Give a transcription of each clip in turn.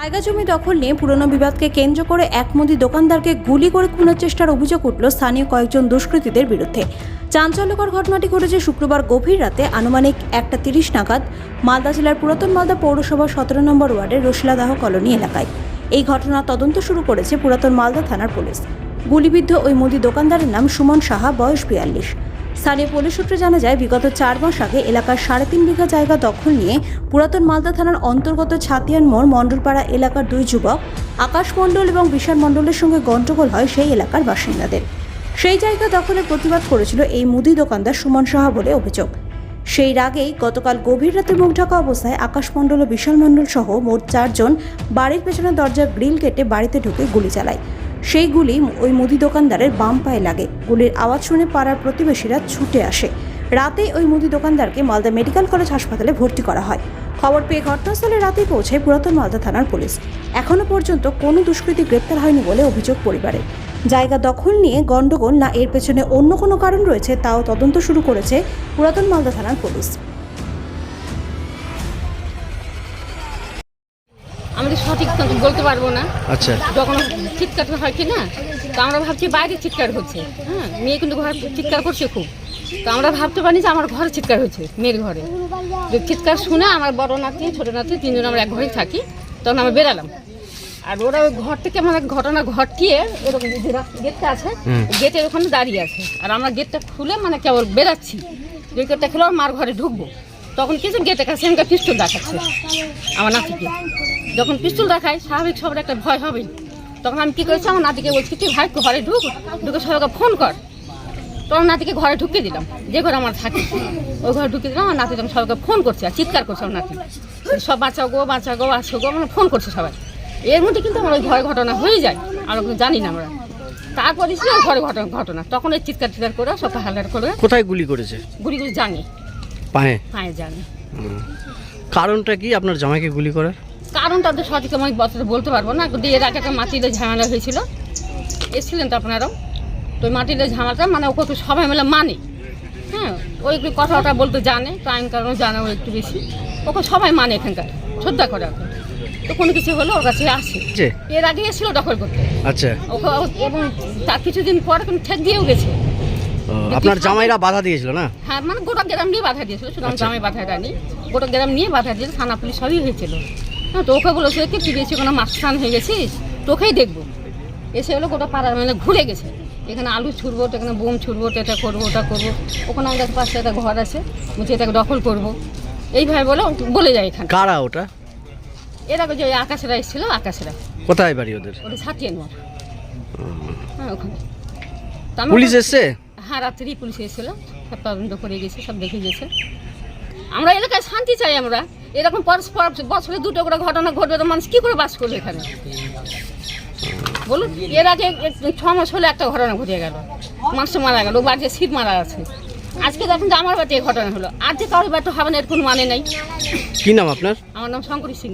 জায়গা জমি দখল নিয়ে পুরনো বিবাদকে কেন্দ্র করে এক মুদি দোকানদারকে গুলি করে খুনের চেষ্টার অভিযোগ উঠল স্থানীয় কয়েকজন দুষ্কৃতীদের বিরুদ্ধে। চাঞ্চল্যকর ঘটনাটি ঘটেছে শুক্রবার গভীর রাতে আনুমানিক 1:30 নাগাদ মালদা জেলার পুরাতন মালদা পৌরসভার 17 নম্বর ওয়ার্ডের রসিলাদাহ কলোনি এলাকায়। এই ঘটনার তদন্ত শুরু করেছে পুরাতন মালদা থানার পুলিশ। গুলিবিদ্ধ ওই মুদি দোকানদারের নাম সুমন সাহা, বয়স 42। স্থানীয় পুলিশ সূত্রে জানা যায়, বিগত 4 মাস আগে এলাকার 3.5 বিঘা জায়গা দখল নিয়ে পুরাতন মালদা থানার অন্তর্গত ছাতিয়ান মোড় মণ্ডলপাড়া এলাকার 2 যুবক আকাশ মণ্ডল এবং বিশাল মণ্ডলের সঙ্গে গন্ডগোল হয় সেই এলাকার বাসিন্দাদের। সেই জায়গা দখলের প্রতিবাদ করেছিল এই মুদি দোকানদার সুমন সাহা বলে অভিযোগ। সেই রাগেই গতকাল গভীর রাতে মুখ ঢাকা অবস্থায় আকাশ মণ্ডল ও বিশাল মণ্ডল সহ মোট 4 জন বাড়ির পেছনের দরজার গ্রিল কেটে বাড়িতে ঢুকে গুলি চালায়। সেই গুলি ওই মুদি দোকানদারের বাম পায়ে লাগে। গুলির আওয়াজ শুনে পাড়ার প্রতিবেশীরা ছুটে আসে। রাতেই ওই মুদি দোকানদারকে মালদা মেডিকেল কলেজ হাসপাতালে ভর্তি করা হয়। খবর পেয়ে ঘটনাস্থলে রাতেই পৌঁছায় পুরাতন মালদা থানার পুলিশ। এখনও পর্যন্ত কোনো দুষ্কৃতী গ্রেপ্তার হয়নি বলে অভিযোগ পরিবারের। জায়গা দখল নিয়ে গন্ডগোল না এর পেছনে অন্য কোনো কারণ রয়েছে তাও তদন্ত শুরু করেছে পুরাতন মালদা থানার পুলিশ। আমাদের সঠিক বলতে পারবো না। আচ্ছা, যখন চিৎকার হয় কি না, তো আমরা ভাবছি বাইরে চিৎকার হচ্ছে। হ্যাঁ, মেয়ে কিন্তু ঘরে চিৎকার করছে খুব। তো আমরা ভাবতে পারি যে আমার ঘরে চিৎকার হচ্ছে, মেয়ের ঘরে। চিৎকার শুনে আমার বড় নাতি ছোট নাতি 3 জন আমরা এক ঘরেই থাকি। তখন আমরা বেরালাম, আর ওরা ওই ঘর থেকে আমাদের ঘটনা ঘটিয়ে এরকম গেটটা আছে, গেটের ওখানে দাঁড়িয়ে আছে। আর আমরা গেটটা খুলে মানে কেবল বেরাচ্ছি, যে গেটটা খুলে আমার মার ঘরে ঢুকবো। তখন কিছু গেটের কাছে আমাকে পিস্তল দেখাচ্ছে আমার নাতিকে। যখন পিস্তল দেখায় স্বাভাবিক সবার একটা ভয় হবে। তখন আমি কী করেছি, আমার নাতিকে বলছি তুই ভাই ঘরে ঢুকে সবাইকে ফোন কর। তখন নাতিকে ঘরে ঢুকে দিলাম, যে ঘরে আমার থাকি ওই ঘরে ঢুকে দিলাম। আমার নাতি তখন সবাইকে ফোন করছে আর চিৎকার করছে আমার নাতি, সব বাঁচাও গো আসো গো, মানে ফোন করছে সবাই। এর মধ্যে কিন্তু আমার ওই ঘরে ঘটনা হয়ে যায়, আর ওগুলো জানি না আমরা। তারপরে ছিল ঘরে ঘটনা, তখন ওই চিৎকার করে সব হালকার করে। কোথায় গুলি করেছে? গুলিগুলি জানি, পায়ে জানি। কারণটা কি আপনার জামাইকে গুলি করার? কারণটা তো সঠিক আমি বলতে পারবো না। এর আগে একটা মাটিতে ঝামেলা হয়েছিল, এসেছিলেন তো আপনারাও। তো ওই মাটিতে ঝামেলাটা মানে ওকে তো সবাই মিলে মানে, হ্যাঁ, ওই একটু কথাটা বলতে জানে, টাইম কারণে জানে ও একটু বেশি। ওকে সবাই মানে এখানকার, শ্রদ্ধা করে ওকে। তো কোনো কিছু হলো ওর কাছে আসে। এর আগে এসেছিল দখল করতে। আচ্ছা, ওকে এবং তার কিছুদিন পরে কিন্তু ঠেক দিয়েও গেছে। আপনার জামাইরা বাধা দিয়েছিল না? হ্যাঁ, মানে গোটা গ্রাম নিয়ে বাধা দিয়েছিল, শুধু আমার জামাই বাধা দেয়নি, গোটা গ্রাম নিয়ে বাধা দিয়েছিল। থানা পুলিশ সবই হয়েছিল। হ্যাঁ, তো ওকে বলেছে কি তুই বেশি কোনো মাস্তান হয়ে গেছিস, তোকেই দেখবো। এসে হলো গোটা পাড়ার মানে ঘুরে গেছে, এখানে আলু ছুড়বো, এখানে বোম ছুড়বো, এটা করবো ওটা করবো। ওখানে আমাদের পাশে একটা ঘর আছে, বলছি এটাকে দখল করবো, এইভাবে বলে যায়। এখানে কারা ওটা? এর আগে যে আকাশেরা এসেছিল, আকাশেরা। কোথায় বাড়ি ওদের? ওটা ছাতিয়ান মোড়। হ্যাঁ, ওখানে পুলিশ এসছে? হ্যাঁ, রাত্রি পুলিশ এসেছিল, সব তদন্ত করে গেছে, সব দেখে গেছে। আমরা এলাকায় শান্তি চাই। আমরা এরকম পরস্পর বছরে 2টো করে ঘটনা ঘটবে, তো মানুষ কী করে বাস করবে এখানে বলুন? এর আগে 6 মাস হলে একটা ঘটনা ঘটে গেল, মানুষ মারা গেল, বাড়িতে শীত মারা আছে। আজকে দেখুন যে আমার বাড়িতে এই ঘটনা হলো, আর যে কারোর বাড়িতে হবে না এর কোনো মানে নেই। কি নাম আপনার? আমার নাম শঙ্করী সিংহ।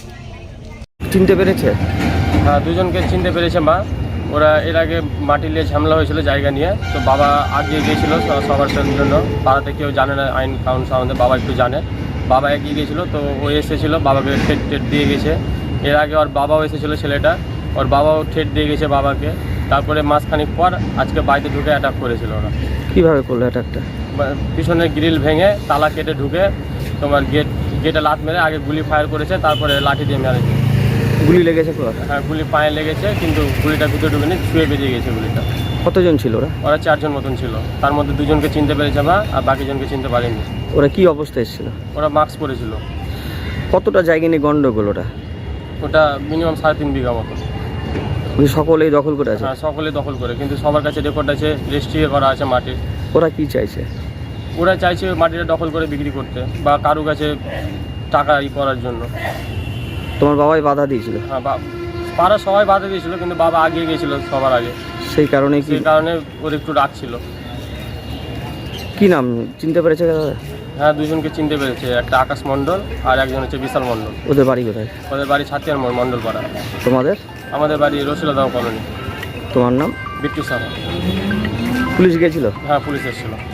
চিনতে পেরেছে? হ্যাঁ, 2 জনকে চিনতে পেরেছে মা। ওরা এর আগে মাটি নিয়ে ঝামেলা হয়েছিল জায়গা নিয়ে। তো বাবা আগিয়ে গিয়েছিল সবার জন্য, পাড়াতে কেউ জানে না আইন কানুন সম্বন্ধে, বাবা একটু জানে। বাবা এগিয়ে গিয়েছিলো, তো ও এসেছিলো, বাবাকে ঠেট দিয়ে গেছে। এর আগে ওর বাবাও এসেছিলো, ছেলেটা, ওর বাবাও ঠেট দিয়ে গেছে বাবাকে। তারপরে মাসখানিক পর আজকে বাড়িতে ঢুকে অ্যাটাক করেছিল ওরা। কীভাবে করলো অ্যাটাকটা? পিছনের গ্রিল ভেঙে তালা কেটে ঢুকে তোমার গেটে লাত মেরে আগে গুলি ফায়ার করেছে, তারপরে লাঠি দিয়ে মেরেছে। গুলি লেগেছে? হ্যাঁ, গুলি পায়ে লেগেছে, কিন্তু গুলিটা ভিতরে ঢুকেনি, ছুঁয়ে বেরিয়ে গেছে গুলিটা। কতজন ছিল ওরা? ওরা 4 জন মতন ছিল, তার মধ্যে 2 জনকে চিনতে পেরেছে মা, আর বাকি জনকে চিনতে পারেনি। ওরা কি অবস্থায় এসেছিল? ওরা মাস্ক পরেছিল। কতটা জায়গা নিয়ে গন্ডগোল ওটা? ওটা মিনিমাম 3.5 বিঘা মতো। সকলেই দখল করে আছে? হ্যাঁ, সকলেই দখল করে, কিন্তু সবার কাছে রেকর্ড আছে, রেজিস্ট্রি করা আছে মাটির। ওরা কি চাইছে? ওরা চাইছে মাটিটা দখল করে বিক্রি করতে বা কারো কাছে টাকা করার জন্য। তোমার বাবাই বাধা দিয়েছিল? হ্যাঁ, পাড়া সবাই বাধা দিয়েছিল, কিন্তু বাবা আগিয়ে গিয়েছিল সবার আগে, সেই কারণে ওর একটু রাগ ছিল। কি নাম চিনতে পেরেছে? হ্যাঁ, 2 জনকে চিনতে পেরেছে, একটা আকাশ মণ্ডল আর একজন হচ্ছে বিশাল মণ্ডল। ওদের বাড়ি কোথায়? ওদের বাড়ি ছাতিয়ান মোড়, মণ্ডলপাড়া। তোমাদের? আমাদের বাড়ি রসিলাদাহ কলোনি। তোমার নাম? বিট্টু সাহা। পুলিশ গেছিল? হ্যাঁ, পুলিশ এসেছিল।